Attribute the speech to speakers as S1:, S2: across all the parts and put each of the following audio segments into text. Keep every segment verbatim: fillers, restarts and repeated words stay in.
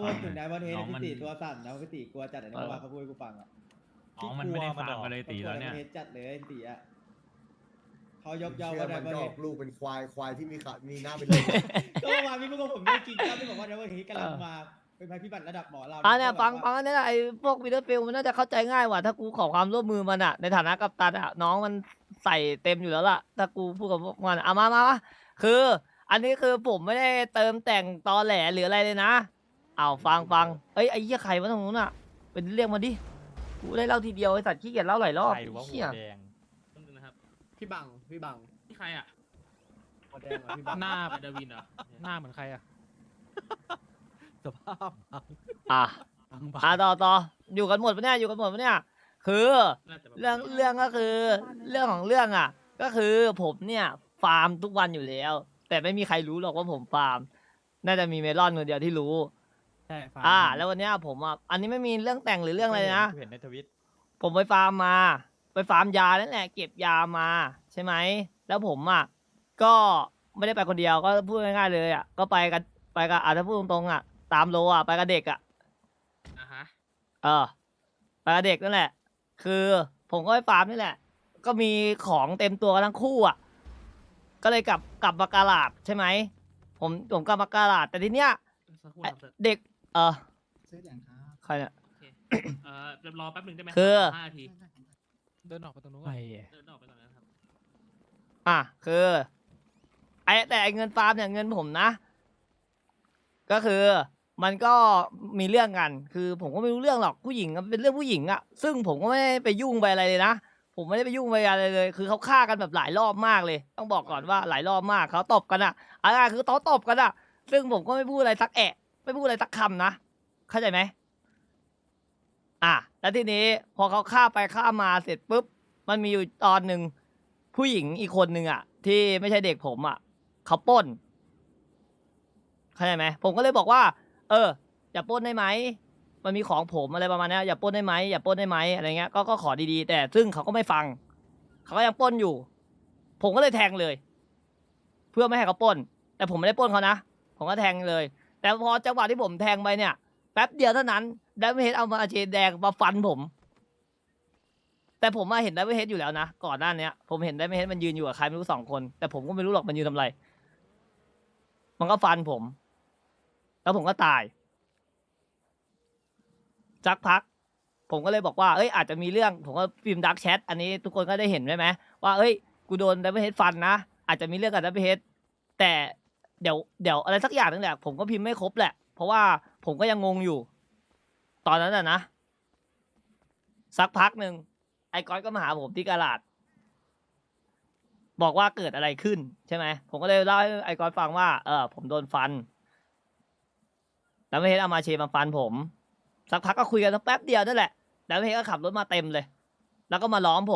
S1: พูดถึงไดมอนด์เฮด
S2: น้อง
S1: พี่
S2: มัน
S1: ติตัวสั่นนะพี่ติกลัวจัดเลยนะว่าเขาพูดให้กูฟังอ่ะ
S2: อ๋อมันไม่ได้ฟาร์มกันเลยตีแล้วเนี่ย
S1: เขากลัไดมอนด์เฮดจัดเลยพี่ติอ่ะเขายกย่อง
S3: เชื่อ
S1: ว่าได
S3: มัน
S1: มอน
S3: จะ
S1: ด์เฮ
S3: ออ
S1: ด
S3: กลูกเป็นควายควายที่มีขามีหน้าเป็นเลย
S1: ก็เมื่อวานพี่พูดกับผมได้จริงครับที่บอกว่าไดมอนด์เฮดกำลังมาเป็นภัยพิบัติระดับหมอเรา
S4: อ่าเนี่ยฟังฟังอันนี้แหละไอ้พวกวิดเดอร์ฟิลมันน่าจะเข้าใจง่ายกว่าถ้ากูขอความร่วมมือมันอะในฐานะกัปตันอะน้องมันใส่เต็มอยู่แล้วล่ะถ้ากูพูดกับพวกมันเอามามามาคือ อันนี้คือผมไม่ได้เติมแต่งตอแหลหรืออะไรเลยนะเอาฟังฟังเอ้ยไอ้เหี้ยใครวะตรงนู้นอะเป็นเรียกมาดิกูได้เล่าทีเดียวไอ้สัตว์ขี้เกียจเล่าหลายรอบ
S2: ใครวะหั
S4: เหี้ยว
S2: แดง
S5: นะครับ
S3: พี่บังพี่บัง
S5: นี่ใครอ่ะ
S3: หัวแดงเหรอพี่บัง
S2: หน้า
S5: ไปดาวินเหรอ
S2: หน้าเหมือนใครอะสภาพบัง
S4: อ่ะ
S2: บังบัง
S4: อ่ะต่อต่ออยู่กันหมดปะเนี่ยอยู่กันหมดปะเนี่ยคือ
S5: น่าจะแบบ
S4: เรื่องเรื่องก็คือเรื่องของเรื่องอ่ะ ก็คือผมเนี่ยฟาร์มทุกวันอยู่แล้ว แต่ไม่มีใครรู้หรอกว่าผมฟาร์มน่าจะมีเมลอนคนเดียวที่รู้
S2: ใช่ฟาร์ม
S4: อ่า แล้ววันเนี้ยผมอ่ะอันนี้ไม่มีเรื่องแต่งหรือเรื่องอะไรนะ
S2: เห็นในทวิต
S4: ผมไปฟาร์มมา ไปฟาร์มยานั่นแหละเก็บยามาใช่ไหมแล้วผมอ่ะก็ไม่ได้ไปคนเดียวก็พูดง่ายๆเลยอ่ะก็ไปกันไปกับอ่ะถ้าพูดตรงๆอ่ะตามโลอ่ะไปกับเด็กอ่ะ
S5: อ่ะฮะ
S4: เออไปกับเด็กนั่นแหละ คือผมก็ไปฟาร์มนี่แหละ ก็มีของเต็มตัวกันทั้งคู่อ่ะ ก็เลยกลับกลับมากาลาดใช่ไหม ผมผมกลับมากาลาดแต่ทีเนี้ย
S5: สักครู่
S4: ไอ้
S5: ครับ
S4: เด็ก เออ
S3: ซื้อแดงครับ
S4: ใครเนี่ย
S5: โอเคเอ่อเดี๋ยวรอแป๊บหนึ่งได้ไหม
S4: คือ
S5: ห้านาที
S2: เดินออกไปตรงนู้นไอ้
S5: เดินออกไปก่อนนะครับ
S4: อ่ะคือไอ้แต่ไอ้เงินฟาร์มเนี่ยเงินผมนะ ก็คือมันก็มีเรื่องกัน คือผมก็ไม่รู้เรื่องหรอกผู้หญิงอะเป็นเรื่องผู้หญิงอะซึ่งผมก็ไม่ได้ไปยุ่งไปอะไรเลยนะผมไม่ได้ไปยุ่งไปอะไรเลย คือเขาฆ่ากันแบบหลายรอบมากเลย ต้องบอกก่อนว่าหลายรอบมากเขาตบกันอะอะไรคือเขาตบกันอะซึ่งผมก็ไม่พูดอะไรสักแอะไม่พูดอะไรสักคำนะเข้าใจไหมอ่ะแล้วทีนี้พอเขาฆ่าไปฆ่ามาเสร็จปุ๊บมันมีอยู่ตอนหนึ่งผู้หญิงอีกคนหนึ่งอะที่ไม่ใช่เด็กผมอะเขาปล้นเข้าใจไหมผมก็เลยบอกว่า เอออย่าปล้นได้ไหมมันมีของผมอะไรประมาณนี้อย่าปล้นได้ไหมอย่าปล้นได้ไหมอะไรเงี้ยก็ก็ขอดีๆแต่ซึ่งเขาก็ไม่ฟังเขาก็ยังปล้นอยู่ ผมก็เลยแทงเลย เพื่อไม่ให้เขาปล้น แต่ผมไม่ได้ปล้นเขานะผมก็แทงเลย แต่พอจังหวะที่ผมแทงไปเนี่ยแป๊บเดียวเท่านั้นไดมอนด์เฮดเอามาเชนแดงมาฟันผม แต่ผมมาเห็นไดมอนด์เฮดอยู่แล้วนะก่อนหน้านี้ผมเห็นไดมอนด์เฮดมันยืนอยู่กับใครไม่รู้สองคนแต่ผมก็ไม่รู้หรอกมันยืนทำอะไร มันก็ฟันผม แล้วผมก็ตายสักพัก ผมก็เลยบอกว่าเอ้ยอาจจะมีเรื่องผมก็พิมพ์ดักแชทอันนี้ทุกคนก็ได้เห็นใช่ไหมว่าเอ้ยกูโดนไดมอนด์เฮดฟันนะอาจจะมีเรื่องกับไดมอนด์เฮดแต่เดี๋ยวเดี๋ยวอะไรสักอย่างนึงแหละผมก็พิมพ์ไม่ครบแหละเพราะว่าผมก็ยังงงอยู่ ตอนนั้นน่ะนะสักพักหนึ่งไอ้ก้อยก็มาหาผมที่กาลาดบอกว่าเกิดอะไรขึ้นใช่ไหมผมก็เลยเล่าให้ไอ้ก้อยฟังว่าเออผมโดนฟันแล้วไม่เห็นเอามาเชมาฟันผมสักพักก็คุยกันแป๊บเดียวนั่นแหละแล้วไม่เห็นก็ขับรถมาเต็มเลย แล้วก็มาล้อมผม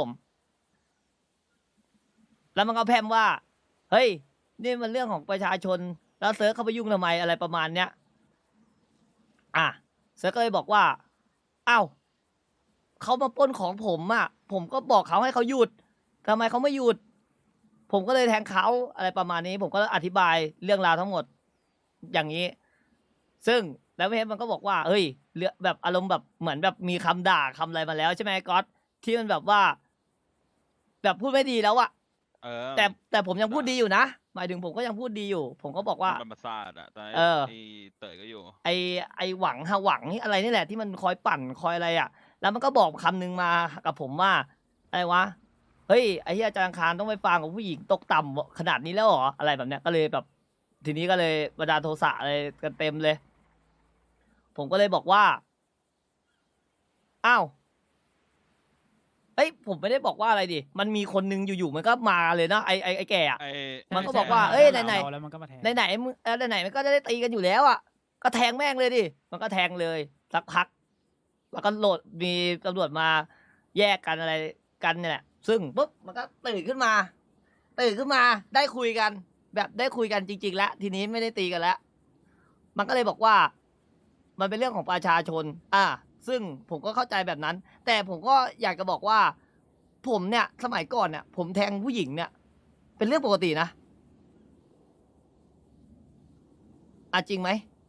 S4: แล้วมันก็แพร่มว่าเฮ้ยนี่มันเรื่องของประชาชนแล้วเซิร์ฟเข้าไปยุ่งทำไมอะไรประมาณเนี้ยอ่ะเซิร์ฟก็เลยบอกว่าอ้าวเขามาปล้นของผมอ่ะผมก็บอกเขาให้เขาหยุดทำไมเขาไม่หยุดผมก็เลยแทงเขาอะไรประมาณนี้ ผมก็อธิบายเรื่องราวทั้งหมดอย่างนี้ ซึ่งแล้วเฮดมันก็บอกว่าเฮ้ยเรื่องแบบอารมณ์แบบเหมือนแบบมีคำด่าคำอะไรมาแล้วใช่ไหมก๊อตที่มันแบบว่า แบบพูดไม่ดีแล้วอะ
S6: เออ
S4: แต่แต่ผมยังพูดดีอยู่นะหมายถึงผมก็ยังพูดดีอยู่ ผมก็บอกว่า
S6: มันประสาทอะตอนนี้
S4: เออ
S6: ไอ้เต๋ยก็อยู่
S4: ไอไอหวังฮะหวังนี่อะไรนี่แหละที่มันคอยปั่นคอยอะไรอ่ะ แล้วมันก็บอกคำนึงมากับผมว่าอะไรวะเฮ้ยไอ้ที่อาจารย์อังคารต้องไปฟังกับผู้หญิงตกต่ำขนาดนี้แล้วเหรออะไรแบบเนี้ยก็เลยแบบ ทีนี้ก็เลยบันดาลโทสะอะไรกันเต็มเลย ผมก็เลยบอกว่าอ้าวเอ้ยผมไม่ได้บอกว่าอะไรดิมันมีคนนึงอยู่ๆมันก็มาเลยนะไอไอไอแก่อะ
S6: ไอ้
S4: มันก็บอกว่าเอ้ยไหนไหน
S2: แล้วมันก็มาแทง
S4: ไหนไหนมึงเออไหนไหนมันก็จะได้ตีกันอยู่แล้วอ่ะก็แทงแม่งเลยดิมันก็แทงเลยสักพัก แล้วก็โหลดมีตำรวจมาแยกกันอะไรกันเนี่ยแหละซึ่งปุ๊บมันก็ตื่นขึ้นมาตื่นขึ้นมาได้คุยกัน แบบได้คุยกันจริงๆแล้วทีนี้ไม่ได้ตีกันแล้วมันก็เลยบอกว่า มันเป็นเรื่องของประชาชน อ่า ซึ่งผมก็เข้าใจแบบนั้น แต่ผมก็อยากจะบอกว่า ผมเนี่ยสมัยก่อนเนี่ยผมแทงผู้หญิงเนี่ย เป็นเรื่องปกตินะอ่ะจริงไหม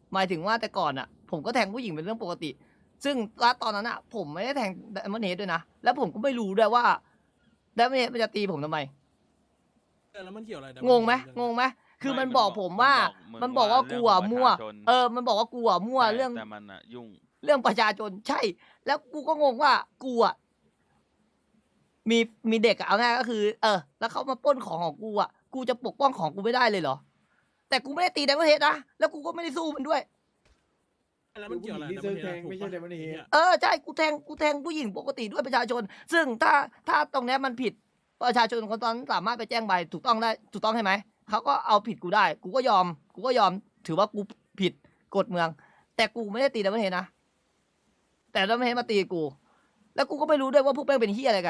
S4: หมายถึงว่าแต่ก่อนอ่ะ ผมก็แทงผู้หญิงเป็นเรื่องปกติ ซึ่งณตอนนั้นอ่ะ ผมไม่ได้แทงไดมอนด์เฮดด้วยนะ แล้วผมก็ไม่รู้ด้วยว่าไดมอนด์เฮดมันจะตีผมทำไม
S2: แล้วมันเกี่ยวอะไรนะ
S4: งงไหมงงไหมคือมันบอกผมว่า มันบอกว่ากูอ่ะมั่ว เออ มันบอกว่ากูอ่ะมั่วเรื่อง
S6: แต่มันอะยุ่ง
S4: เรื่องประชาชนใช่ แล้วกูก็งงว่ากูอ่ะมีมีเด็กอะเอาง่ายก็คือ เออ แล้วเขามาปล้นของของกูอ่ะกูจะปกป้องของกูไม่ได้เลยเหรอ แต่กูไม่ได้ตีไดมอนด์เฮดนะแล้วกูก็ไม่ได้สู้มันด้วย
S2: แล้วมันเกี่ยวอะไร
S3: ที่ซื้อแทงไม่ใช่เดมอนเฮด
S4: เออใช่กูแทงกูแทงผู้หญิงปกติด้วยประชาชน ซึ่งถ้าถ้าตรงเนี้ยมันผิดประชาชนคนตอนนั้นสามารถไปแจ้งใบถูกต้องได้ถูกต้องใช่ไหมเขาก็เอาผิดกูได้ กูก็ยอม กูก็ยอม ถือว่ากูผิดกฎเมือง แต่กูไม่ได้ตีไดมอนด์เฮดนะแต่ไดมอนด์เฮดมาตีกู แล้วกูก็ไม่รู้ด้วยว่าพวกแม่งเป็นเฮียอะไรกัน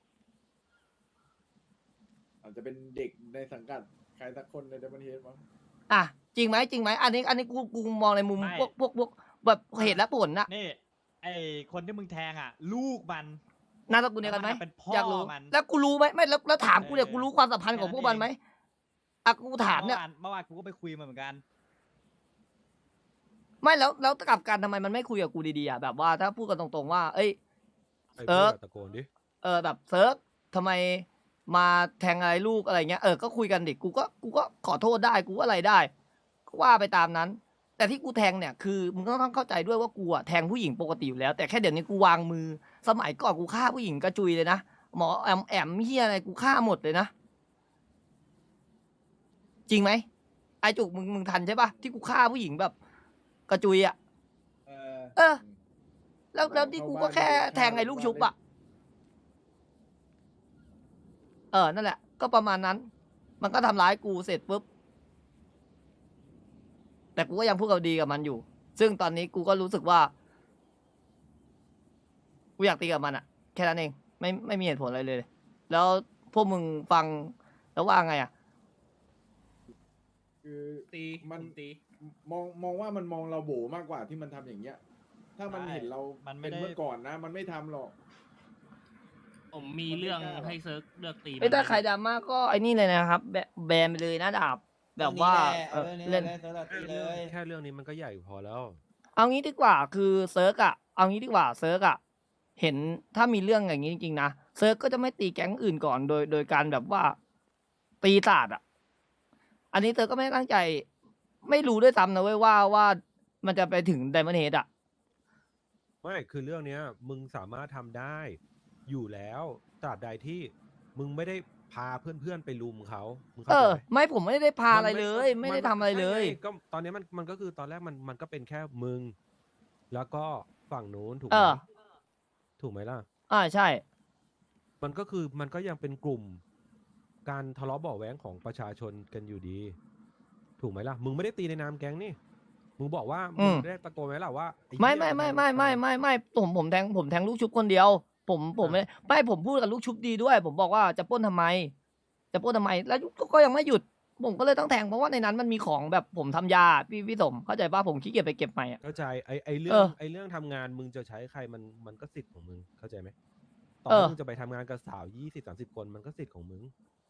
S3: อาจจะเป็นเด็กในสังกัดใครสักคนในเดมอนเฮดมั้ง
S4: อ่ะจริงไหมจริงไหมอันนี้อันนี้กูกูมองในมุม
S7: ไม่
S4: พวกพวกพวกแบบเหตุและผลน่ะ
S7: นี่ไอคนที่มึงแทงอ่ะ ลูกมัน
S4: นามสกุลเดียวกันไหม
S7: เป็นพ่อ
S4: อยากรู้
S7: มัน
S4: แล้วกูรู้ไหมไม่แล้วแล้วถามกูเนี่ย
S7: เออ
S4: กูรู้ความสัมพันธ์ของพวกมันไหมอ่ะกูถามเนี่ย
S7: เมื่อวานเมื่อวานกูก็ไปคุยมาเหมือนกัน
S4: ไม่แล้วแล้วกลับกันทำไมมันไม่คุยกับกูดีๆอ่ะแบบว่าถ้าพูดกันตรงๆว่า เอ้ย
S2: ไอ้
S4: เอ
S2: พว
S4: อ
S2: กตะโกนดิ
S4: เออแบบเซิร์ฟทำไมมาแทงอะไรลูกอะไรเงี้ยเออก็คุยกันดิกูก็กูก็ขอโทษได้กูก็อะไรได้ก็ว่าไปตามนั้น แต่ที่กูแทงเนี่ยคือมึงก็ต้องเข้าใจด้วยว่ากูอะแทงผู้หญิงปกติอยู่แล้ว แต่แค่เดี๋ยวนี้กูวางมือสมัยก่อนกูฆ่าผู้หญิงกระจุยเลยนะหมอแอมแอมเฮียอะไรกูฆ่าหมดเลยนะจริงไหมไอจุกมึงมึงทันใช่ปะที่กูฆ่าผู้หญิงแบบกระจุยอะ
S3: เออ
S4: เออ แล้วแล้วที่กูก็แค่แทงไอ้ลูกชุบอะเออ นั่นแหละ ก็ประมาณนั้น มันก็ทำร้ายกูเสร็จปุ๊บ แต่กูก็ยังพูดกับดีกับมันอยู่ ซึ่งตอนนี้กูก็รู้สึกว่า กูอยากตีกับมันอะแค่นั้นเอง ไม่ไม่มีเหตุผลอะไรเลย แล้วพวกมึงฟังแล้วว่าไงอะ
S3: คือ
S5: ตี
S3: มัน
S5: ผตี
S3: มองมองว่ามันมองเราโบมากกว่าที่มันทำอย่างเงี้ย ถ้ามัน
S7: ใช่
S3: เห็นเรา
S7: มันไม่
S3: เป็น
S7: ได้
S3: เมื่อก่อนนะ มันไม่ทำหรอก
S5: ผมมีเรื่องให้เซิร์ฟเลือกตี
S4: ไม่ถ้า
S5: มัน
S4: ใครดราม่าก็ไอ้นี่เลยนะครับ แบแบนไปเลยนะดาบ แบบว่า
S1: เอ
S4: เอ
S1: อ
S4: อ
S1: เล่
S4: เล่
S1: น
S4: น
S1: เล่นเซิร์ฟละตีเลย
S2: แค่เรื่องนี้มันก็ใหญ่พอแล้ว
S4: เอางี้ดีกว่าคือเซิร์กอะเอางี้ดีกว่าเซิร์กอะเห็นถ้ามีเรื่องอย่างนี้จริงๆนะเซิร์กก็จะไม่ตีแก๊งอื่นก่อนโดยโดยการแบบว่าตีศาสตร์อะอันนี้เซิร์กก็ไม่ได้ตั้งใจ ไม่รู้ด้วยซ้ำนะเว้ยว่าว่ามันจะไปถึงไดมอนด์เฮดอะ
S2: ไม่คือเรื่องเนี้ย มึงสามารถทำได้ อยู่แล้วตราบใดที่มึงไม่ได้พาเพื่อนๆไปลุมเขามึง
S4: เอ
S2: เข้าใจ
S4: อ
S2: ไหม
S4: ไม่ผมไม่ได้พาอะไร
S2: น
S4: เลย ไม่ได้ทำอะไรเลย
S2: ใช่ไงก็ตอนนี้มันมันก็คือตอนแรกมันมันก็เป็นแค่มึง แล้วก็ฝั่งนู้นถูกไห
S4: เอ
S2: ม
S4: อ
S2: ถูกไหมล่ะ
S4: อ่าใช่
S2: มันก็คือมันก็ยังเป็นกลุ่ม การทะเลาะเบาะแว้งของประชาชนกันอยู่ดี ถูกไหมล่ะ มึงไม่ได้ตีในนามแก๊งนี่ มึงบอกว่า
S4: อื
S2: มึ
S4: ม
S2: งได้ตะโกนไหมล่ะว่าอ้
S4: ไม่
S2: เหี้ย
S4: ไม่ไม่ไม่ไม่ไม่ไม่ผมผมแทงผมแทงลูกชุบคนเดียว ผมผมไม่ไม่ผมพูดกับลูกชุบดีด้วย ผมบอกว่าจะปล้นทำไม จะปล้นทำไม แล้วก็ก็ยังไม่หยุด ผมก็เลยต้องแทงเพราะว่าในนั้นมันมีของแบบผมทำยาพี่พี่สมเข้าใจป่ะผมขี้เกียจไปเก็บใหม่อะ
S2: เข้าใจไอไอเรื่
S4: เอ
S2: อง
S4: อ
S2: ไอเรื่องทำงานมึงจะใช้ใครมันมันก็สิทธิ์ของมึงเข้าใจไหมต่อ
S4: เออ
S2: ให้มึงจะไปทำงานกับสาวยี่สิบสามสิบคนมันก็สิทธิ์ของมึง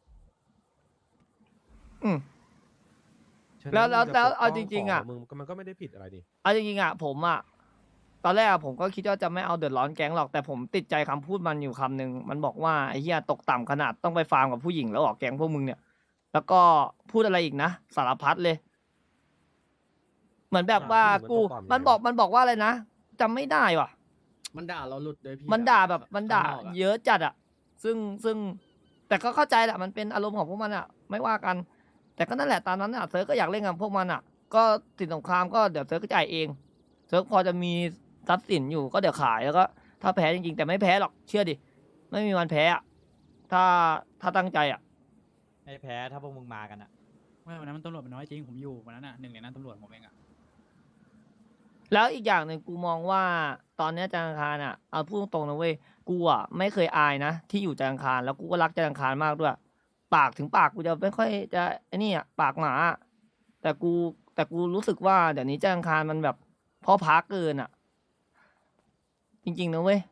S4: อืม
S2: ฉะนั้น
S4: แล้วแล้ว
S2: มึ
S4: แล้ว
S2: ปก
S4: เอา
S2: ป้
S4: จริงๆอะ
S2: ขมึงมันก็ไม่ได้ผิดอะไรนี่
S4: เอาจริงๆอ่ะผมอ่ะตอนแรกอะผมก็คิดว่าจะไม่เอาเดือดร้อนแก๊งหรอกแต่ผมติดใจคำพูดมันอยู่คำหนึ่งมันบอกว่าไอ้เหี้ยตกต่ำขนาดต้องไปฟาร์มกับผู้หญิงแล้วออกแก๊งพวกมึงเนี่ย แล้วก็พูดอะไรอีกนะสารพัดเลย เหมือนแบบว่ากูมันบอกมันบอกว่าอะไรนะจำไม่ได้ว่ะ
S3: มันด่าเราหลุดเลยพี่
S4: มันด่าแบบมันด่า
S3: ข้งนอกอะ
S4: เยอะจัดอ่ะ ซึ่งซึ่งแต่ก็เข้าใจแหละมันเป็นอารมณ์ของพวกมันอ่ะ ไม่ว่ากัน แต่ก็นั่นแหละตามนั้นอ่ะเซิร์ฟก็อยากเล่นกับพวกมันอ่ะ ก็สินสงครามก็เดี๋ยวเซิร์ฟก็จ่ายเองเซิร์ฟพอจะมีทรัพย์สินอยู่ก็เดี๋ยวขายแล้วก็ถ้าแพ้จริงๆแต่ไม่แพ้หรอกเชื่อดิไม่มีวันแพ้อ่ะถ้าถ้าตั้งใจอ่ะ
S7: ไม่แพ้ถ้าพวกมึงมากันอะ
S8: ไม่วันนั้นมันตำรวจมันน้อยจริงผมอยู่วันนั้นอ่ะหนึ่งในนั้นตำรวจผมเองอ่ะ
S4: แล้วอีกอย่างหนึ่งกูมองว่าตอนเนี้ยจันทร์อังคารอ่ะเอาพูดตรงๆนะเว้ยกูอ่ะไม่เคยอายนะที่อยู่จันทร์อังคารแล้วกูก็รักจันทร์อังคารมากด้วย ปากถึงปากกูจะไม่ค่อยจะไอ้นี่อ่ะปากหมาอะแต่กูแต่กูรู้สึกว่าเดี๋ยวนี้จันทร์อังคารมันแบบพ่อพักเกินอ่ะ จริงๆนะเว้ย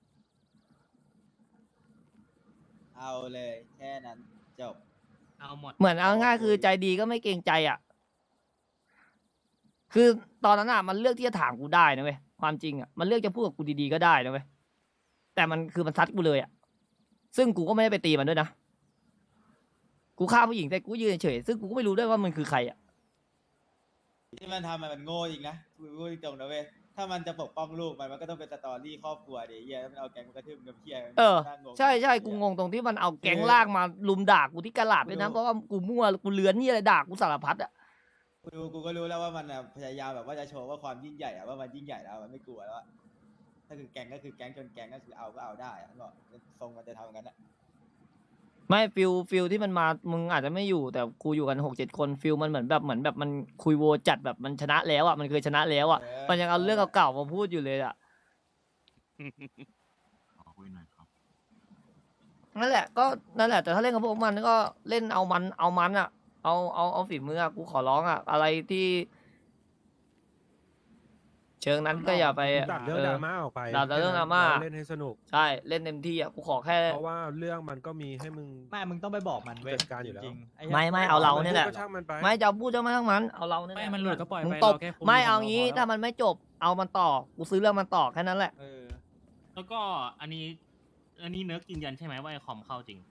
S1: เอาเลยแค่นั้นจบ
S5: เอาหมด
S4: เหมือนเอาง่ายคือใจดีก็ไม่เกรงใจอ่ะคือตอนนั้นอ่ะมันเลือกที่จะถามกูได้นะเว้ยความจริงอ่ะมันเลือกจะพูดกับกูดีๆก็ได้นะเว้ยแต่มันคือมันซัดกูเลยอ่ะซึ่งกูก็ไม่ได้ไปตีมันด้วยนะกูฆ่าผู้หญิงแต่กูยืนเฉยๆซึ่งกูก็ไม่รู้ด้วยว่ามันคือใครอ่ะ
S1: ที่มันทำมันโง่อีกนะกูพูดตรงๆนะเว้ยถ้ามันจะปกป้องลูกมันมันก็ต้องเป็นสตอรี่ครอบครัวเดี๋ยวเฮียแล้วมันเอาแกงมันกระทืบเงินเฮีย
S4: เออ
S1: น่างง
S4: ใช่ใช่กูงงตรงที่มันเอาแก๊งลากมาลุมด่ากูที่กะลาดด้วยนะเพราะว่ากูมั่วกูเลือนนี่อะไรด่ากูสารพัดอ่ะ
S1: กูดูกูก็รู้แล้วว่ามันอะพยายามแบบว่าจะโชว์ว่าความยิ่งใหญ่อะว่ามันยิ่งใหญ่แล้วมันไม่กลัวแล้วอะถ้าคือแก๊งก็คือแก๊งจนแก๊งก็คือเอาก็เอาได้อะก็ทรงมันจะทำกันอะ
S4: ไม่ฟิลฟิลที่มันมามึงอาจจะไม่อยู่แต่กูอยู่กันหกเจ็ดคนฟิลมันเหมือนแบบเหมือนแบบมันคุยโวจัดแบบมันชนะแล้วอ่ะมันเคยชนะแล้วอ่ะ
S1: เออ
S4: มันยังเอาเรื่องเก่าๆมาพูดอยู่เลยอ่ะ
S9: ขอคุยหน่อยครับ
S4: นั่นแหละก็นั่นแหละแต่ถ้าเล่นกับพวกมันก็เล่นเอามันเอามันอ่ะเอาเอาเอาฝีมืออ่ะกูขอร้องอ่ะอะไรที่ เชิงนั้นก็อย่าไป
S2: ตัดเรื่องดราม่าออกไป
S4: ตัดเรื่องดราม่า
S2: เล่นให้สนุก
S4: ใช่เล่นเต็มที่อ่ะกูขอแค่
S2: เพราะว่าเรื่องมันก็มีให้มึง
S7: ไม่มึงต้องไปบอกมันเว้ย
S2: จัดการอยู่แล้ว
S7: จริงๆอ้
S4: ไม่ไม่เอาเราเนี่ยแหละ
S2: ก็ช่างมันไป
S4: ไม่จะเอาพูดจะไม่ทั้งมันเอาเราเนี่ยแห
S8: ไม่
S4: ละ
S8: มันหลุดก็ปล่อย
S4: มึง
S8: ไป
S4: ตบ
S8: เราแค่คุม
S4: ไม่
S8: ของ
S4: เอา
S8: เรา
S4: งี้
S8: พอแล้ว
S4: ถ้ามันไม่จบเอามันต่อกูซื้อเรื่องมันต่อแค่นั้นแหละ
S7: เออ
S5: แล้วก็อันนี้ อันนี้เนิร์กยืนยันใช่ไหมว่าไอคอมเข้าจริง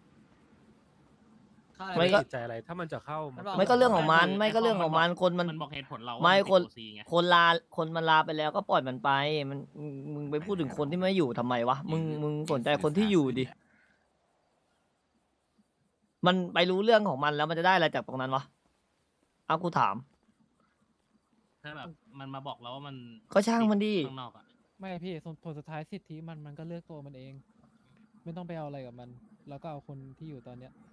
S4: ไม่ก็
S2: ติดใจอะไรถ้ามันจะเข้ามัน
S4: ไม่ก็เรื่องของมันไม่ก็เรื่องของมันคนมัน
S5: มันบอกเหตุผลเรา
S4: ไม่
S5: ว่า
S4: คน
S5: ติด โอ ซี ไง
S4: คนลาคนมันลาไปแล้วก็ปล่อยมันไป มันมึงมึงไปพูดถึงคนที่ไม่อยู่ทำไมวะมึงมึงสนใจคนที่อยู่ดิมันไปรู้เรื่องของมันแล้วมันจะได้อะไรจากตรงนั้นวะเอากูถาม
S5: ถ้าแบบมันมาบอกเราว่ามัน
S4: ก็ช่างมันดิ
S5: ข้างนอกอะ
S10: ไม่พี่ส่วนผลสุดท้ายสิทธิมันมันก็เลือกตัวมันเอง ไม่ต้องไปเอาอะไรกับมัน แล้วก็เอาคนที่อยู่ตอนเนี้ย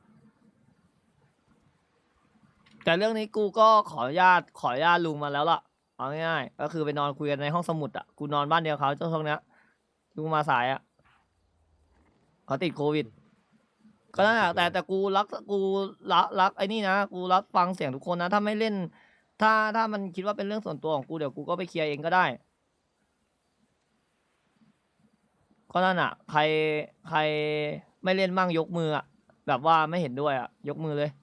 S4: แต่เรื่องนี้กูก็ขออนุญาตขออนุญาตลุงมาแล้วล่ะเอาง่ายๆก็คือไปนอนคุยกันในห้องสมุดอ่ะกูนอนบ้านเดียวเขาช่วงเนี้ยลุงมาสายอ่ะเขาติดโควิด ก็นั่นแหละแต่แต่กูรักกูรักรักไอ้นี่นะกูรับฟังเสียงทุกคนนะถ้าไม่เล่น ถ้าถ้ามันคิดว่าเป็นเรื่องส่วนตัวของกูเดี๋ยวกูก็ไปเคลียร์เองก็ได้ก็นั่นอ่ะ ใครใครไม่เล่นมั่งยกมืออ่ะแบบว่าไม่เห็นด้วยอ่ะยกมือเลย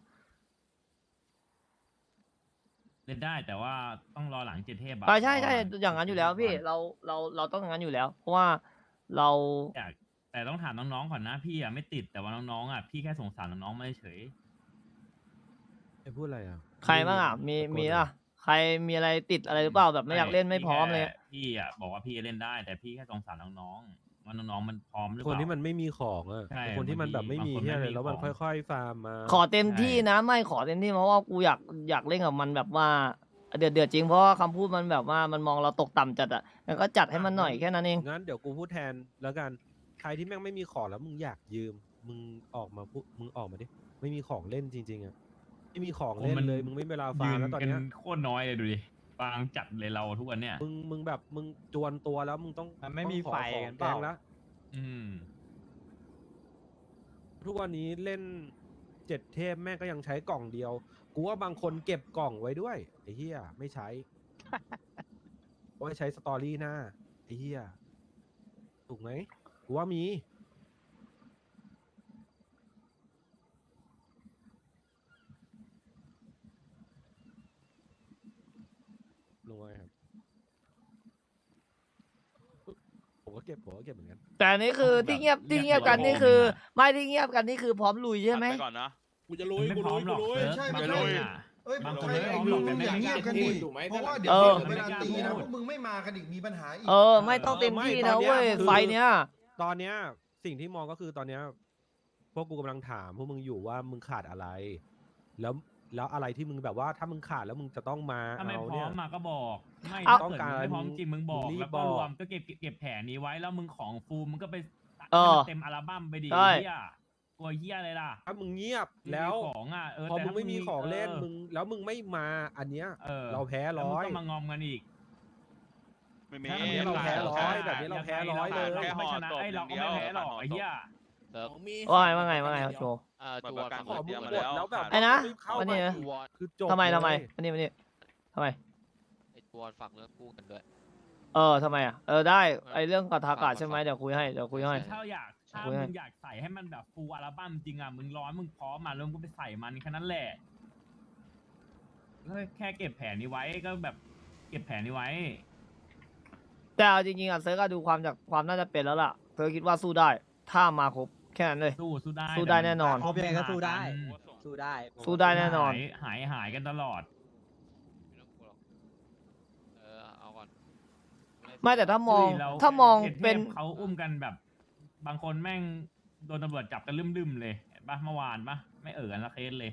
S9: เล่นได้แต่ว่าต้องรอหลังเจ็ดเทพอะ
S4: อ่าใช่ใช่อย่างนั้นอยู่แล้วพี่เราเราเราต้องอย่างนั้นอยู่แล้ว เพราะว่าเรา
S9: อยากแต่ต้องถามน้องๆก่อนนะพี่อะไม่ติดแต่ว่าน้องๆอะพี่แค่สงสารน้องๆไม่เฉย
S2: ไอ้พูดอะไรอ่ะ
S4: ใครบ้างอ่ะมีมีอ่ะใครมีอะไรติดอะไรหรือเปล่าแบบไม่อยากเล่นไม่พร้อมเลย
S9: แค่พี่อะบอกว่าพี่เล่นได้ แต่พี่แค่สงสารน้องๆว่าน้องๆมันพร้อมหรือเป
S2: คน
S9: ล่า
S2: ที่มันไม่มีของอ่ะ
S9: ใช่
S2: คนที่มันแบบไม่มี
S9: บางคน
S2: ที่อะไร
S9: ไม่มี
S2: แล้วมัน
S9: ของ
S2: ค่อยๆฟาร์มมา
S4: ขอเต็มที่นะ ไม่ขอเต็มที่เพราะว่ากูอยากอยากเล่นกับมันแบบว่าเดือดเดือดจริงเพราะว่าคำพูดมันแบบว่ามันมองเราตกต่ำจัดอ่ะงั้นก็จัดให้มันหน่อยแค่นั้นเอง
S2: งั้นเดี๋ยวกูพูดแทนแล้วกันใครที่แม่งไม่มีของแล้วมึงอยากยืมมึงออกมาพูดมึงออกมาดิไม่มีของเล่นจริงๆอ่ะไม่มีของเล่นเลยมึงไม่มีเวลาฟา
S9: ยื
S2: ร์ม
S9: น
S2: แล้วตอน
S9: กัน
S2: เนี้ย
S9: โคตรน้อยเลยดูดิบางจัดเลยเราทุกวันเนี่ย
S2: มึงมึงแบบมึงจวนตัวแล้วมึงต้อง
S7: มันไม่มี
S2: ต้องขอ
S7: ไฟ
S2: ของ
S7: กันเปล่า
S2: แกงละ
S9: อืม
S2: ทุกวันนี้เล่นเจ็ดเทพแม่งก็ยังใช้กล่องเดียว กูว่าบางคนเก็บกล่องไว้ด้วยไอ้เหี้ยไม่ใช้ ว่าใช้สตอรี่หน้าไอ้เหี้ยถูกไหมกูว่ามีลงไว้ครับผมก็เก็บผมก็เก็บเหมือนกัน
S4: แต่อันนี้คือที่เงียบที่เงียบกันนี่คือ ไม่ที่เงียบกันนี่คือพร้อมลุยใช่ไหม
S6: ตัดปก่อนนะ
S3: กูจะลุ
S9: มั
S3: ย
S9: นไม่
S3: กู
S9: พร้
S3: ลุ
S9: อย มหรอก
S3: กูลุย
S9: เซิร์ฟ
S11: ใช่
S9: มัน
S11: ไม่
S9: ไม่
S11: ใช่
S9: อ่ะ
S11: เอ้ย
S9: บาง
S11: ใค
S9: คน
S11: ร
S9: ไม่พร้อม
S11: มึ
S9: หรอก
S11: ง
S9: แต่
S11: อย่า
S9: ไม่
S11: เงียบกันดิ
S3: ถูกไหม
S11: เพราะว่า
S3: ถ้า
S11: เดี๋ยว
S4: เออ
S11: เวลาตีนะพวกมึงไม่มากันอีกมีปัญหาอีก
S4: เออ ไม่ต้องเต็มที่นะเว้ยไฟเนี้ย
S2: ตอนเนี้ยสิ่งที่มองก็คือตอนเนี้ยพวกกูกำลังถามพวกมึงอยู่ว่ามึงขาดอะไร แล้วแล้วอะไรที่มึงแบบว่าถ้ามึงขาดแล้วมึงจะต้องมา
S9: ถ้าไม่
S2: เอา
S9: พร้
S2: เนี่
S9: อย มมาก็บอกไม่
S4: เอา
S9: ถ้าเกิดมึงไม่พร้อมจริงมึงบอก
S2: มึงรีบ
S9: แล้วก็
S2: บอก
S9: รวมก็เก็บเก็บแผนนี้ไว้แล้วมึงของฟูลมึงก็ไป
S4: เออ
S9: ให้มันเต็มอัลบั้มไปดิ
S4: ใช่
S9: เฮียกลัวเฮียอะไรล่ะ
S2: ถ้ามึงเงียบ
S9: มึงมี
S2: แล้ว
S9: ของอ่ะเออ
S2: พอ
S9: แต่
S2: มึงไม่มีของเล่น
S9: ออ
S2: มึงแล้วมึงไม่มาอันเนี้ย
S9: เออ
S2: เราแพ้
S9: แล้ว
S2: ร้
S9: มึง
S2: อย
S9: ก็มางอมกันอีก
S6: ไม่มี
S9: ถ้า
S2: อันนี้เราแพ้ร้อยแบบนี้เราแพ้ร้อยเลย
S9: เราก็ไม่ชนะไอ้เราก็ไม่แพ้หรอกไอ้เหี้ย
S4: ว่าไงว่าไงว่าไงครับโจ
S6: อ่าตัวกัน
S2: ขอมึง
S6: เตรียม
S2: หม
S6: มา
S2: ด
S6: แล้ว
S2: แล้วแบบ
S4: ไอ้นะ
S2: ม่เข้า
S4: วันนี้
S2: มา
S4: นะ
S2: คือจบ
S4: ทำไมทำไม
S2: เลย
S4: อันนี้อันนี้ทำไม
S6: ไอ้ตัวฝากเนื้อคู่กันด้วย
S4: เออทำไมอ่ะเออได้ไอเรื่องกับทากาใช่ไหมเดี๋ยวคุยให้เดี๋ยวคุยให้
S6: ใช่
S9: ถ้าอยากถ้า
S4: คุยให้
S9: มึงอยากใส่ให้มันแบบฟูลอัลบั้มจริงอ่ะมึงร้อนมึงพร้อมมาแล้วมึงก็ไปใส่มันแค่นั้นแหละก็แค่เก็บแผนนี้ไว้ก็แบบเก็บแผนนี้ไว้
S4: แต่เอาจริงๆอ่ะเซิร์กดูความจากความน่าจะเป็นแล้วล่ะเซิร์กคิดว่าสู้ได้ ถ้ามาครบแค่นั้นเลย
S9: สู้สู้ได้
S4: สู้ได้แน่นอน
S7: ครบยังไงก็สู้ได้ สู้ได้
S4: สู้ได้แน่นอน
S9: หายหายหายกันตลอด
S6: ไม่ต้องกลัวหรอกเออเอาก่อน
S4: ไม่แต่ถ้ามอง
S9: เฮ้ยเรา
S4: ถ้ามอง
S9: เทพ
S4: เป็น
S9: เขาอุ้มกันแบบ บางคนแม่งโดนตำรวจจับกันลืมๆเลยเห็นปะเมื่อวานปะไม่เอ่อกันละเคสเลย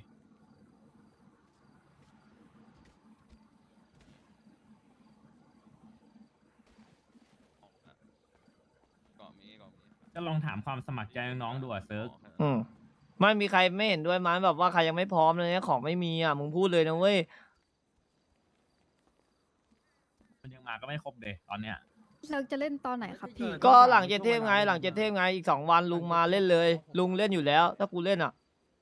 S6: เกาะมีเกาะมี
S9: ก็ลองถามความสมัครใจน้องๆดูอะเซิร์ก
S4: อืมไม่มีใครไม่เห็นด้วยมั้ยแบบว่าใครยังไม่พร้อมเลยเนี่ยของไม่มีอ่ะมึงพูดเลยนะเว้ย
S9: มันยังมาก็ไม่ครบเลยตอนเนี้ย
S12: เซิร์กจะเล่นตอนไหนครับพี่
S4: ก็หลังเจ็ดเทพไงหลังเจ็ดเทพไงอีกสองวันลุงมาเล่นเลย ลุงเล่นอยู่แล้ว ถ้ากูเล่นอ่ะ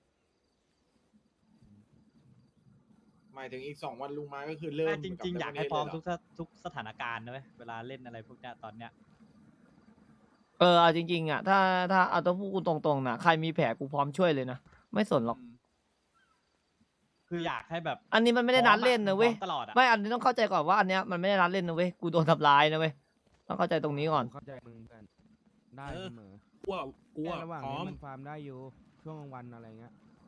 S3: หมายถึงอีกสองวันลุงมาก็คือเริ่ม
S7: แต่จริง ๆ อยากให้พร้อมทุก
S3: ท่า
S7: สถทุกสถานการณ์นะเว้ยเวลาเล่นอะไรพวกเนี้ยตอนเนี้ย
S4: เออเอาจริงๆอ่ะถ้าถ้าเอาต้องพูดกูตรงๆนะใครมีแผลกูพร้อมช่วยเลยนะไม่สนหรอก
S7: คืออยากให้แบบ
S4: อันนี้มันไม่ได้นัดเล่นนะเว้ย
S7: พร้อมตลอดอะ
S4: ไม่อันนี้ต้องเข้าใจก่อนว่าอันเนี้ยมันไม่ได้นัดเล่นนะเว้ยกูโดนทำร้ายนะเว้ยต้องเข้าใจตรงนี้ก่อน
S10: เข้าใจมึงกันได้
S8: เออ
S10: เสมอ
S8: กูอะกูอะ
S10: แค่ระหว่าง
S8: พร้อ
S10: นี้
S8: ม
S10: มันฟาร์มได้อยู่ช่วงกลางวันอะไรเงี้ย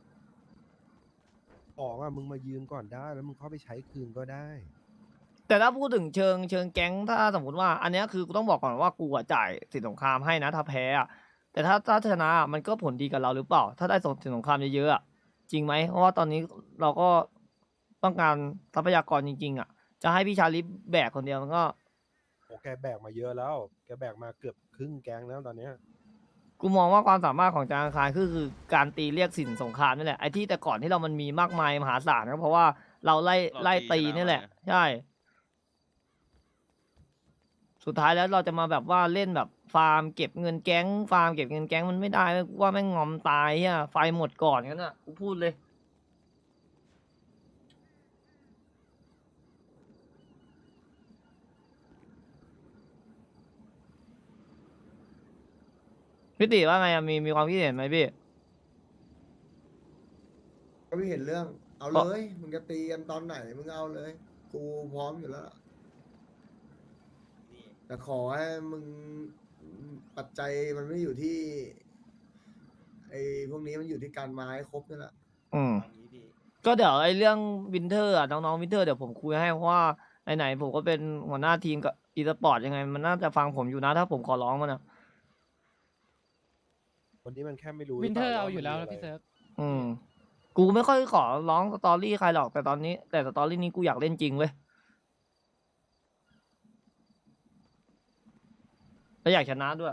S10: ของอ่ะมึงมายืมก่อนได้แล้วมึงเข้าไปใช้คืนก็ได้
S4: แต่ถ้าพูดถึงเชิงเชิงแก๊งถ้าสมมติว่า อันเนี้ยคือกูต้องบอกก่อนว่ากูอะจ่ายสินสงครามให้นะถ้าแพ้อะแต่ถ้าถ้าชนะอะมันก็ผลดีกับเราหรือเปล่า ถ้าได้ส่งสินสงครามเยอะๆอะจริงไหมเพราะว่าตอนนี้เราก็ต้องการทรัพยากรจริงๆอะจะให้พี่ชาลิฟแบกคนเดียวมันก็
S10: โอ้แกแบกมาเยอะแล้ว แกแบกมาเกือบครึ่งแก๊งแล้วตอนเนี้ย
S4: กูมองว่าความสามารถของจางอังคารคือคือการตีเรียกสินสงครามนี่แหละไอ้ที่แต่ก่อนที่เรามันมีมากมายมหาศาลก็เพราะว่าเราไล่ไล่ตีนี่แหละ ใช่ สุดท้ายแล้วเราจะมาแบบว่าเล่นแบบฟาร์มเก็บเงินแก๊งฟาร์มเก็บเงินแก๊งมันไม่ได้เว้ยกูว่าแม่งงอมตายอ่ะไฟหมดก่อนงั้นอ่ะกูพูดเลยพี่ติว่าไงอะมีมีความคิดเห็นไหมพี่
S11: ก็ไม่เห็นเรื่อง เอา
S4: เพราะ
S11: เลย มึงจะตีกันตอนไหน มึงเอาเลย กูพร้อมอยู่แล้วล่ะแต่ขอให้มึงปัจจัยมันไม่อยู่ที่ ไอ้พวกนี้มันอยู่ที่การมาให้ครบนี่แหละ
S4: อืม
S1: เอางี้พี่
S4: ก็เดี๋ยวไอ้เรื่องวินเทอร์อ่ะน้องๆวินเทอร์เดี๋ยวผมคุยให้เพราะว่าไหนๆผมก็เป็นหัวหน้าทีมกับอีสปอร์ตยังไง มันน่าจะฟังผมอยู่นะถ้าผมขอร้องมันอ่ะ
S10: คนนี้มันแค่ไม่รู้
S8: วินเทอร์
S10: หป
S8: เอา
S10: ล่
S8: อยู่แล้ว
S10: มั
S8: นะ
S10: มีะไร
S8: พี่เซิร์ฟ
S4: อืม กูไม่ค่อยขอร้องสตอรี่ใครหรอกแต่ตอนนี้ แต่สตอรี่นี้กูอยากเล่นจริงเว้ยแล้วอยากชนะด้วย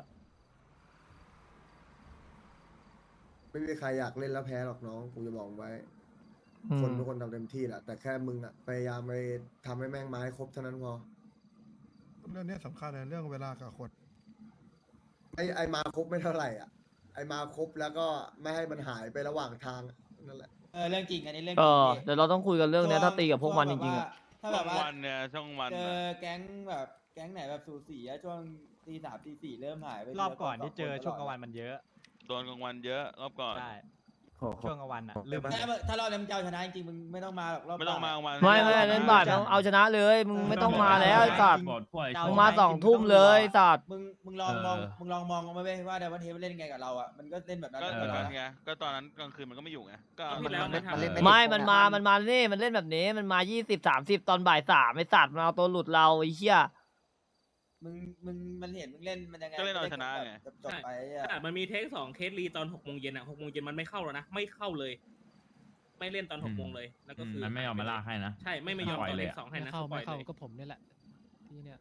S11: ไม่มีใครอยากเล่นแล้วแพ้หรอกน้อง กูจะบอกไว้
S4: อื
S11: คน
S4: ม
S11: ทุกคนทำเต็มที่แหละ แต่แค่มึงอะพยายามไปทำให้แม่งมาให้ครบเท่านั้นพอ
S13: เรื่องนี้สำคัญนะเรื่องเวลากับคน
S11: ไอ้ไอ้มาครบไม่เท่าไหร่อ่ะ ไอ้มาครบแล้วก็ไม่ให้มันหายไประหว่างทางอะนั่นแหละ
S1: เออเรื่องจริงอันนี้เรื่อง
S4: เอ
S1: จริง
S4: อ
S1: พี่
S4: เดี๋ยวเราต้องคุยกันเรื่องเนี้ยถ้าตีกับพวกมันจริงๆอ่ะ
S1: ถ้าแบบว่า
S6: วันเนี่ยช่องวัน
S1: เจ
S6: น่ะ
S1: อแก๊งแบบแก๊งไหนแบบสูสีอะช่วงตีสามตีสี่เริ่มหายไป
S7: รอบก่อนที่
S1: หลื
S7: เจอ
S1: ส
S7: ช่วงกลาง
S1: ค
S7: วันมันเยอะ
S6: โดนกลางวันเยอะรอบก่อน
S7: ใช่ช่วงกลางวันอ่ะลืม
S1: ถ้าถ้ารอบนี้มึงจะเอาชนะจริงๆมึงไม่ต้องมาหรอกรอบ
S6: ไม่ต้องมา
S1: บ่ย
S6: กลางวัน
S4: ไม่ไม่เล่นบาทต้องเอาชนะเลยมึงไม่ต้องมาแล้วไอ้สัตว์
S9: บอดพวกไอ้
S4: มึงมาสองทุ่มเลยไอ้สัตว์
S1: มึงมึงลองมอง
S9: เออ
S1: มึงลองมองมาเว้ยว่าเดวันเทปเล่นไงกับเราอ่ะมันก็เล่นแบบนั้น
S6: ก็
S1: กับ
S6: เหมือน
S1: เรา
S6: กัน
S1: นะ
S6: ไงก็ตอนนั้นกลางคืนมันก็ไม่อยู่ไงก็
S5: ที่แล้วไม่ทำ
S4: ไม่มันมามันมานี่มันเล่นแบบนี้มันมายี่สิบสามสิบตอนบ่ายสามไอ้สัตว์มันเอาตัวหลุดเราไอ้เหี้ย
S1: มึงมึงมันเห็นมึงเล่นมันยังไง
S6: ก็เล่นเอาชนะไง
S1: จบๆไปอะ
S5: แต่มันมีเทคสองเคสรีตอนหกโมงเย็นอ่ะหกโมงเย็นมันไม่เข้าแล้วนะ ไม่เข้าเลย ไม่เล่นตอนหกโมงเลย แล้วก็คือ
S9: มันไม่ยอมมาลากให้นะ
S5: ใช่ ไม่ไม่ยอม
S9: ปล่อย
S5: ตอน
S9: เล
S5: เลย ข
S9: อะ
S5: สองให้
S10: ไม่
S5: นะ
S10: เข้า
S5: ปล่
S10: ไม่
S5: อย
S10: เข้า
S5: เลย
S10: ก็ผมนี่แหละที่เนี่ย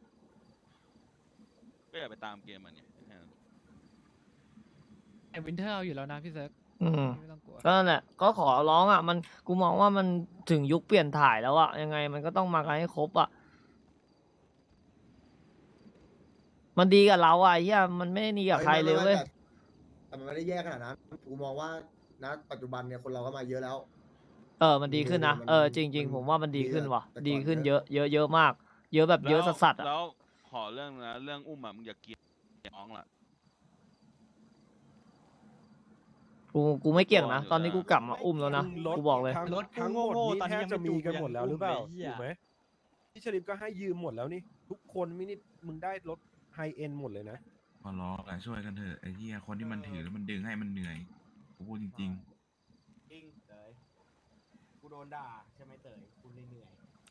S6: ก็อย่าไปตามเกมมันไง
S10: แต่วินเทอร์เอาอยู่แล้วนะพี่เซิร์ฟ
S4: อืม
S10: ไม่ต้องกลัว
S4: ก็นั่นแหละก็ขอร้องอ่ะมันกูมองว่ามันถึงยุคเปลี่ยนถ่ายแล้วอ่ะยังไงมันก็ต้องมากันให้ครบอ่ะมันดีกับเราอ่ะไอ้เหี้ยมันไม่ได้ดีกับใครเลยเว้ย
S11: แต่มันไม่ได้แย่ขนาดนั้น กูมองว่าณปัจจุบันเนี่ยคนเราก็มาเยอะแล้ว
S4: เออมันดีขึ้นนะ
S11: มัน
S4: เออจริง ๆ ผมว่ามันดีขึ้นว่ะ
S11: แต่ก่อน
S4: ดีขึ้น
S11: เย
S4: เย
S11: อะ
S4: อะเยอะเยอะมาก เยอะแบบเยอะสัสๆอ่ะ
S6: แล้วขอเรื่องนะเรื่องอุ้มอ่ะมึงอย่าเกลียดน้องล่ะ
S4: กูกูไม่เกี่ยงนะ
S6: อยู่
S4: ตอนนี้
S6: นะ
S4: กูกลับมาอุ้มแล้วนะ
S10: รถ
S4: กูบอกเลย
S10: ทั้ง
S7: รถ
S10: ทั้งหมด
S7: โง่ๆ
S10: นี้
S7: ตอน
S10: แท
S7: นี้
S10: บ
S7: ยังไม่
S10: จะมีกัน
S7: จูง
S10: หมดแล้วหรือเปล่า
S7: ยังอุ้มเลยเหี้ย
S10: ถูกไหม
S2: พี่ชลิปก็ให้ยืมหมดแล้วนี่ ทุกคนมินิมึงได้รถไฮเอ็นหมดเลยนะ
S14: ขอร้องแหละช่วยกันเถอะไอ้เหี้ยคนที่มันถือแล้วมันดึงให้มันเหนื่อยกูพูดจริง
S1: จริงเต๋ยกูโดนด่าใช่ไหมเต๋ยกูเหนื่อย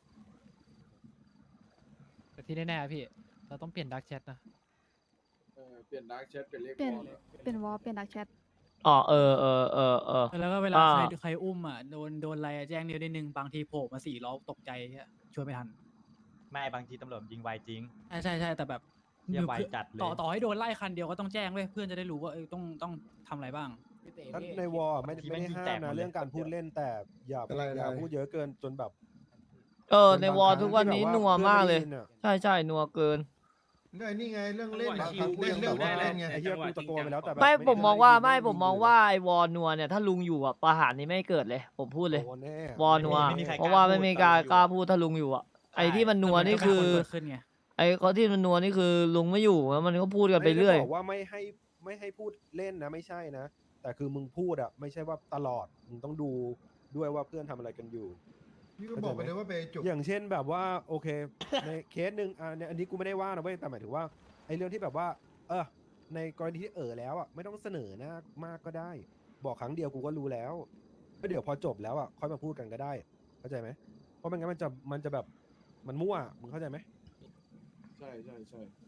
S10: แต่ที่แน่ๆพี่ เราต้องเปลี่ยนดักแชทนะ
S3: เออเปลี่ยนดาร์กแชทเป็นเลข
S12: เปลี่ยน
S3: วอลเลย
S12: เป็นวอลเป็นดักแชท
S4: อ๋อเออเออเออเออ
S8: แล้วก็เวลา
S4: อ่า
S8: ใครใครอุ้มอ่ะโดนโดนอะไรอะแจ้งเดียวนิดนึงบางทีโผล่มาสี่ล้อตกใจอะช่วยไม่ทัน
S7: ไม่บางทีตำรวจยิงไวจริง
S8: ใช่ใช่ใช่แต่แบบ
S7: เหี้ยไว
S8: คือ
S7: จัดเลย
S8: ต่อต่อให้โดนไล่คันเดียวก็ต้องแจ้งเว้ยเพื่อนจะได้รู้ว่าเออต้องต้องทำอะไรบ้าง
S2: ถ้าในวอลไม่ไม่ได้ห้ามนะเรื่องการพูดเล่นแต่อย่า
S11: อะไร
S2: อย่า
S11: อะไร
S2: พูดเยอะเกินจนแบบ
S4: เออในวอลทุกวันนี้นัวมากเลย ใช่ใช่นัวเกิน
S13: เรื่องนี่ไงเรื่องเล่น
S5: จังหวะ
S13: นะ
S5: ชิว
S13: เรื่องเรื่อง
S5: ได้
S13: เล่นไง
S2: ไอ้เหี้ยกูตะโกนไปแล้วแต่แบบ
S4: ไม่
S2: ด้
S4: ผมมองว่า
S2: ด้
S4: ไม่
S2: ด้
S4: ผมมองว่าไอ้วอนัวเนี่ยถ้าลุงอยู่อ่ะประหารนี้ไม่เกิดเลย ผมพูดเลย
S2: โดนแน่
S4: วอนัว
S7: ไม่มีใครกล้า
S4: เพราะว่าไม่มีการ
S7: พูด
S4: กล้าพูดถ้าลุงอยู่อ่ะไอ้ที่มันนัวนี่คือ
S8: แต่มัก็มีนเกิดขึ้นไง
S4: ไอ้เขาที่มันนัวนี่คือลุงไม่อยู่แล้วมันก็พูดกันไปเรื่อย
S2: ม่ด้บอกว่าไม่ให้ไม่ให้พูดเล่นนะไม่ใช่นะ แต่คือมึงพูดอะไม่ใช่ว่าตลอดมึงต้องดูด้วยว่าเพื่อนทำอะไรกันอยู่
S13: พี่ก็บอกไปเลยว่าไปจุก
S2: อย่างเช่นแบบว่าโอเค ในเคสหนึ่งอ่าเนี่ยอันนี้กูไม่ได้ว่านะเว้ยแต่หมายถึงว่าไอ้เรื่องที่แบบว่า เออในกรณีที่เออแล้วอ่ะไม่ต้องเสนอหน้ามากก็ได้ บอกครั้งเดียวกูก็รู้แล้วก็เดี๋ยวพอจบแล้วอ่ะค่อยมาพูดกันก็ได้ เข้าใจไหมเพราะไม่งั้นมันจะมันจะแบบมันมั่วมึงเข้าใจไหม
S3: ใช่ใช่ใช่